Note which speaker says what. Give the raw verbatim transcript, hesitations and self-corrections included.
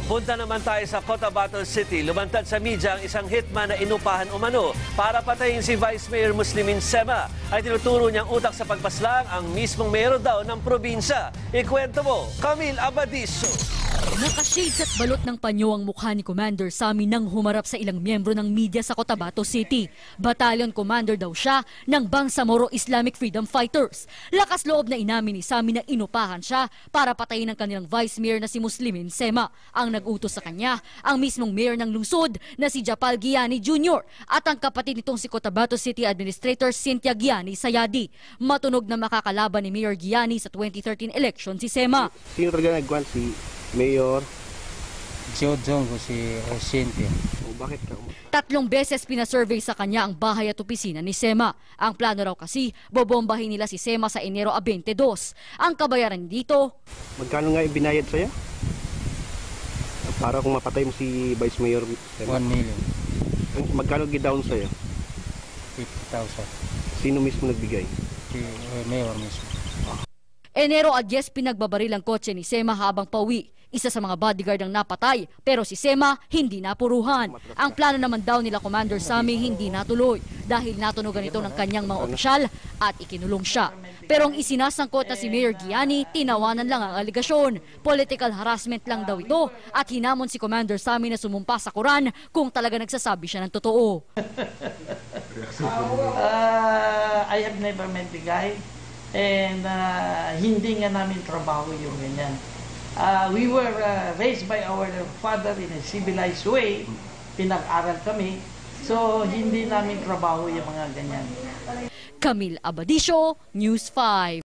Speaker 1: Punta naman tayo sa Cotabato City. Lumantad sa media ang isang hitman na inupahan umano para patayin si Vice Mayor Muslimin Sema. Ay tinuturo niyang utak sa pagpaslang ang mismong mayor daw ng probinsya. Ikwento mo, Camille Abadiso.
Speaker 2: Nakashades at balot ng panyo ang mukha ni Commander Sami nang humarap sa ilang miyembro ng media sa Cotabato City. Battalion Commander daw siya ng Bangsamoro Islamic Freedom Fighters. Lakas loob na inamin ni Sami na inupahan siya para patayin ang kanilang Vice Mayor na si Muslimin Sema. Ang nag-utos sa kanya, ang mismong mayor ng lungsod na si Japal Giani Junior at ang kapatid nitong si Cotabato City Administrator Cynthia Giani Sayadi. Matunog na makakalaban ni Mayor Giani sa twenty thirteen election si Sema.
Speaker 3: Sino talaga nagwan si Mayor?
Speaker 4: Jojong ko si Cynthia.
Speaker 3: O bakit ka?
Speaker 2: Tatlong beses pinasurvey sa kanya ang bahay at opisina ni Sema. Ang plano raw kasi, bobombahin nila si Sema sa Enero twenty-two. Ang kabayaran dito,
Speaker 3: Magkano nga ibinayad sa'yo? Para kung mapatay mo si Vice Mayor Sema.
Speaker 4: one million.
Speaker 3: Magkano gidown sa'yo?
Speaker 4: fifty thousand.
Speaker 3: Sino mismo nagbigay?
Speaker 4: Si uh, Mayor mismo.
Speaker 2: Enero ten pinagbabaril ang kotse ni Sema habang pauwi. Isa sa mga bodyguard ang napatay, pero si Sema hindi napuruhan. Ang plano naman daw nila Commander Sami hindi natuloy dahil natunugan ito ng kanyang mga opisyal at ikinulong siya. Pero ang isinasangkot na si Mayor Giani, tinawanan lang ang aligasyon. Political harassment lang daw ito at hinamon si Commander Sami na sumumpa sa Quran kung talaga nagsasabi siya ng totoo.
Speaker 5: uh, I have never met the guy and uh, hindi nga namin trabaho yung ganyan. Uh, we were uh, raised by our father in a civilized way. Pinag-aral kami. So, hindi namin trabaho yung mga ganyan.
Speaker 2: Camille Abadiso, News five.